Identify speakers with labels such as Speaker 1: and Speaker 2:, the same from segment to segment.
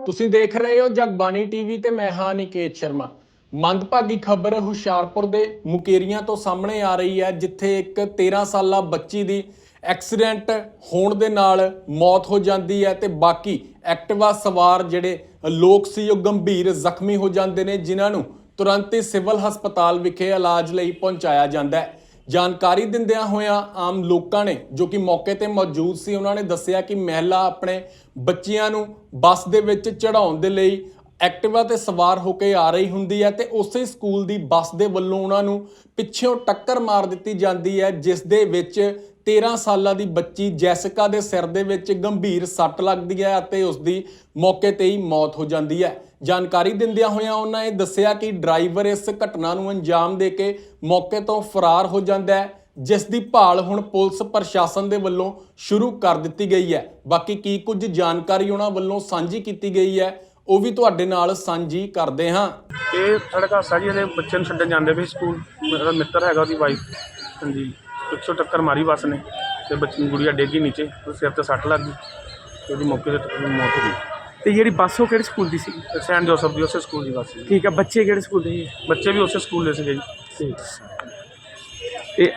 Speaker 1: ਤੁਸੀਂ ਦੇਖ ਰਹੇ ਹੋ ਜਗਬਾਣੀ ਟੀਵੀ ਤੇ ਮੈਂ ਹਾਂ ਨਿਕੇਤ ਸ਼ਰਮਾ। ਮੰਦਭਾਗੀ ਖਬਰ ਹੁਸ਼ਿਆਰਪੁਰ ਦੇ ਮੁਕੇਰੀਆਂ ਤੋਂ ਸਾਹਮਣੇ ਆ ਰਹੀ ਹੈ, ਜਿੱਥੇ ਇੱਕ 13 ਸਾਲਾ ਬੱਚੀ ਦੀ ਐਕਸੀਡੈਂਟ ਹੋਣ ਦੇ ਨਾਲ ਮੌਤ ਹੋ ਜਾਂਦੀ ਹੈ ਤੇ ਬਾਕੀ ਐਕਟਿਵਾ ਸਵਾਰ ਜਿਹੜੇ ਲੋਕ ਸੀ ਉਹ ਗੰਭੀਰ ਜ਼ਖਮੀ ਹੋ ਜਾਂਦੇ ਨੇ, ਜਿਨ੍ਹਾਂ ਨੂੰ ਤੁਰੰਤ ਹੀ ਸਿਵਲ ਹਸਪਤਾਲ ਵਿਖੇ ਇਲਾਜ ਲਈ ਪਹੁੰਚਾਇਆ ਜਾਂਦਾ ਹੈ। ਜਾਣਕਾਰੀ ਦਿੰਦਿਆਂ ਹੋਇਆਂ ਆਮ ਲੋਕਾਂ ਨੇ ਜੋ ਕਿ ਮੌਕੇ ਤੇ ਮੌਜੂਦ ਸੀ, ਉਹਨਾਂ ਨੇ ਦੱਸਿਆ ਕਿ ਮਹਿਲਾ ਆਪਣੇ ਬੱਚਿਆਂ ਨੂੰ ਬੱਸ ਦੇ ਵਿੱਚ ਚੜਾਉਣ ਦੇ ਲਈ ਐਕਟਿਵਾ ਤੇ ਸਵਾਰ ਹੋ ਕੇ ਆ ਰਹੀ ਹੁੰਦੀ ਹੈ ਤੇ ਉਸੇ ਸਕੂਲ ਦੀ ਬੱਸ ਦੇ ਵੱਲੋਂ ਉਹਨਾਂ ਨੂੰ ਪਿੱਛੋਂ ਟੱਕਰ ਮਾਰ ਦਿੱਤੀ ਜਾਂਦੀ ਹੈ, ਜਿਸ ਦੇ ਵਿੱਚ 13 ਸਾਲਾਂ ਦੀ ਬੱਚੀ ਜੈਸਿਕਾ ਦੇ ਸਿਰ ਦੇ ਵਿੱਚ ਗੰਭੀਰ ਸੱਟ ਲੱਗਦੀ ਹੈ ਅਤੇ ਉਸ ਦੀ ਮੌਕੇ ਤੇ ਹੀ ਮੌਤ ਹੋ ਜਾਂਦੀ ਹੈ। ਜਾਣਕਾਰੀ ਦਿੰਦਿਆਂ ਹੋਇਆਂ ਉਹਨਾਂ ਨੇ ਦੱਸਿਆ ਕਿ ਡਰਾਈਵਰ ਇਸ ਘਟਨਾ ਨੂੰ ਅੰਜਾਮ ਦੇ ਕੇ ਮੌਕੇ ਤੋਂ ਫਰਾਰ ਹੋ ਜਾਂਦਾ ਹੈ, ਜਿਸ ਦੀ ਭਾਲ ਹੁਣ ਪੁਲਿਸ ਪ੍ਰਸ਼ਾਸਨ ਦੇ ਵੱਲੋਂ ਸ਼ੁਰੂ ਕਰ ਦਿੱਤੀ ਗਈ ਹੈ। ਬਾਕੀ ਕੀ ਕੁਝ ਜਾਣਕਾਰੀ ਉਹਨਾਂ ਵੱਲੋਂ ਸਾਂਝੀ ਕੀਤੀ ਗਈ ਹੈ ਉਹ ਵੀ ਤੁਹਾਡੇ ਨਾਲ ਸਾਂਝੀ ਕਰਦੇ ਹਾਂ।
Speaker 2: ਇਹ ਸੜਕ ਹਾਦਸਾ ਜੀ, ਇਹਦੇ ਬੱਚੇ ਨੂੰ ਛੱਡਣ ਜਾਂਦੇ ਵੀ ਸਕੂਲ। ਮੇਰਾ ਮਿੱਤਰ ਹੈਗਾ, ਉਹਦੀ ਵਾਈਫ ਹਾਂਜੀ ਪਿੱਛੋਂ ਟੱਕਰ ਮਾਰੀ ਬੱਸ ਨੇ ਤੇ ਬੱਚੀ ਨੂੰ ਗੁੜੀਆ ਡਿੱਗੀ ਨੀਚੇ, ਸਿਰ ਤੇ ਸੱਟ ਲੱਗ ਗਈ ਤੇ ਉਹਦੀ ਮੌਕੇ ਤੇ ਮੌਤ ਹੋ ਗਈ।
Speaker 3: ਤੇ ਜਿਹੜੀ ਬੱਸ ਉਹ ਕਿਹੜੇ ਸਕੂਲ ਦੀ ਸੀ?
Speaker 2: ਸੈਂਟ ਜੋਸਫ ਦੀ ਉਸੇ ਸਕੂਲ ਦੀ ਬੱਸ ਸੀ।
Speaker 3: ਠੀਕ ਹੈ, ਬੱਚੇ ਕਿਹੜੇ ਸਕੂਲ ਦੇ ਸੀ?
Speaker 2: ਬੱਚੇ ਵੀ ਉਸੇ ਸਕੂਲ ਦੇ ਸੀਗੇ ਜੀ।
Speaker 3: ਠੀਕ। ਤੇ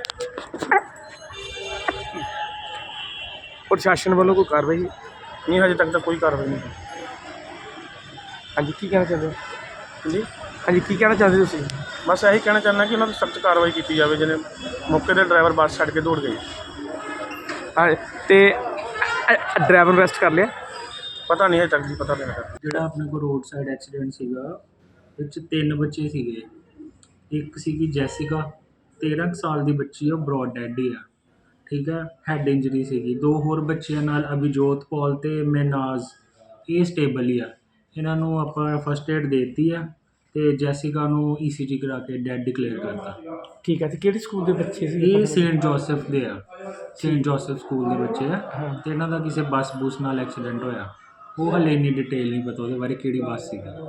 Speaker 3: ਪ੍ਰਸ਼ਾਸਨ ਵੱਲੋਂ ਕੋਈ ਕਾਰਵਾਈ?
Speaker 2: ਨਹੀਂ, ਹਜੇ ਤੱਕ ਤਾਂ ਕੋਈ ਕਾਰਵਾਈ ਨਹੀਂ।
Speaker 3: ਹਾਂਜੀ, ਕੀ ਕਹਿਣਾ ਚਾਹੁੰਦੇ ਹੋ?
Speaker 2: ਜੀ
Speaker 3: ਹਾਂਜੀ, ਕੀ ਕਹਿਣਾ ਚਾਹੁੰਦੇ ਤੁਸੀਂ?
Speaker 2: ਬਸ ਇਹੀ ਕਹਿਣਾ ਚਾਹੁੰਦਾ ਕਿ ਉਹਨਾਂ 'ਤੇ ਸਖਤ ਕਾਰਵਾਈ ਕੀਤੀ ਜਾਵੇ। ਜਿਹਨੇ ਮੌਕੇ 'ਤੇ ਡਰਾਈਵਰ ਬੱਸ ਛੱਡ ਕੇ ਦੌੜ ਗਈ।
Speaker 3: ਹਾਂ, ਤੇ ਡਰਾਈਵਰ ਨੂੰ ਅਰੈਸਟ ਕਰ ਲਿਆ?
Speaker 2: ਪਤਾ ਨਹੀਂ ਹਜੇ ਤੱਕ ਜੀ, ਪਤਾ ਨਹੀਂ ਲੱਗਾ।
Speaker 4: ਜਿਹੜਾ ਆਪਣੇ ਕੋਲ ਰੋਡ ਸਾਈਡ ਐਕਸੀਡੈਂਟ ਸੀਗਾ, ਇਹ 'ਚ 3 ਬੱਚੇ ਸੀਗੇ। ਇੱਕ ਸੀਗੀ ਜੈਸਿਕਾ, 13 ਸਾਲ ਦੀ ਬੱਚੀ, ਉਹ ਬਰੋਡ ਡੈਡ ਹੀ ਆ। ਠੀਕ ਹੈ, ਹੈਡ ਇੰਜਰੀ ਸੀਗੀ। 2 ਹੋਰ ਬੱਚਿਆਂ ਨਾਲ ਅਭਿਜੋਤ ਪੌਲ ਤੇ ਮੈਨਾਜ਼, ਇਹ ਸਟੇਬਲ ਹੀ ਆ। ਇਹਨਾਂ ਨੂੰ ਆਪਾਂ ਫਸਟ ਏਡ ਦੇ ਦਿੱਤੀ ਆ ਤੇ ਜੈਸਿਕਾ ਨੂੰ ECG ਕਰਾ ਕੇ ਡੈਡ ਡਿਕਲੇਅਰ ਕਰਤਾ।
Speaker 3: ਠੀਕ ਹੈ, ਤੇ ਕਿਹੜੇ ਸਕੂਲ ਦੇ ਬੱਚੇ ਸੀ?
Speaker 4: ਇਹ ਸੇਂਟ ਜੋਸਫ ਦੇ ਆ, ਸੇਂਟ ਜੋਸਫ ਸਕੂਲ ਦੇ ਬੱਚੇ ਆ ਤੇ ਇਹਨਾਂ ਦਾ ਕਿਸੇ ਬੱਸ ਬੁਸ ਨਾਲ ਐਕਸੀਡੈਂਟ ਹੋਇਆ। ਉਹ ਹਲੇ ਇੰਨੀ ਡਿਟੇਲ ਨਹੀਂ ਪਤਾ ਉਹਦੇ ਬਾਰੇ, ਕਿਹੜੀ ਬੱਸ ਸੀਗੀ।